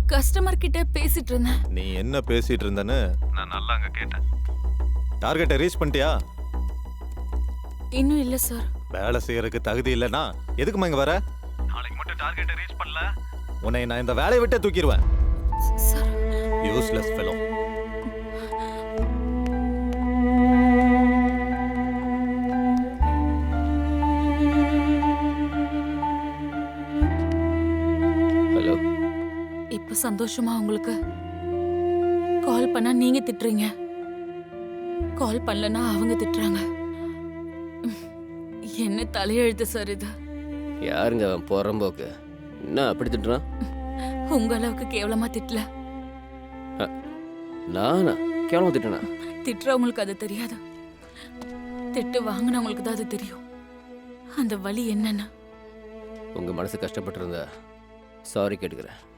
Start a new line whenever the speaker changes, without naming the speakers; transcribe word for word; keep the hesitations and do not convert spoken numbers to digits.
Customer கிட்ட பேசிட்டு இருந்தேன்.
நீ என்ன பேசிட்டு இருந்தன்னு நான் நல்லா அங்க கேட்டேன். டார்கெட்டை ரீச் பண்ணிட்டியா?
இன்னும் இல்ல சார்.
வேலை செய்யறதுக்கு தகுதி இல்லைன்னா எதுக்குமா இங்க வர? நாளைக்கு மட்டும் டார்கெட்டை ரீச் பண்ணல உன்னை நான் இந்த வேலையை விட்டே தூக்கிடுவேன்.
Sir
useless fellow.
ஹலோ.
இப்ப சந்தோஷமா உங்களுக்கு? கால் பண்ணா நீங்க திட்டுறீங்க, கால் பண்ணலன்னா அவங்க திட்டுறாங்க. என்ன தலையெழுத்து சார் இது?
யாருங்க அவன் புறம்போக்கு? என்ன அப்படி திட்டுறான்?
உங்க அளவுக்கு கேவலமா திட்டல.
நானா கேவலமா திட்டனா?
திட்டுறவங்களுக்கு அது தெரியாது, திட்டு வாங்கினவங்களுக்கு தான் அது தெரியும். அந்த வலி என்னன்னு.
உங்க மனசு கஷ்டப்பட்டு இருந்தா சாரி கேட்டுக்கிறேன்.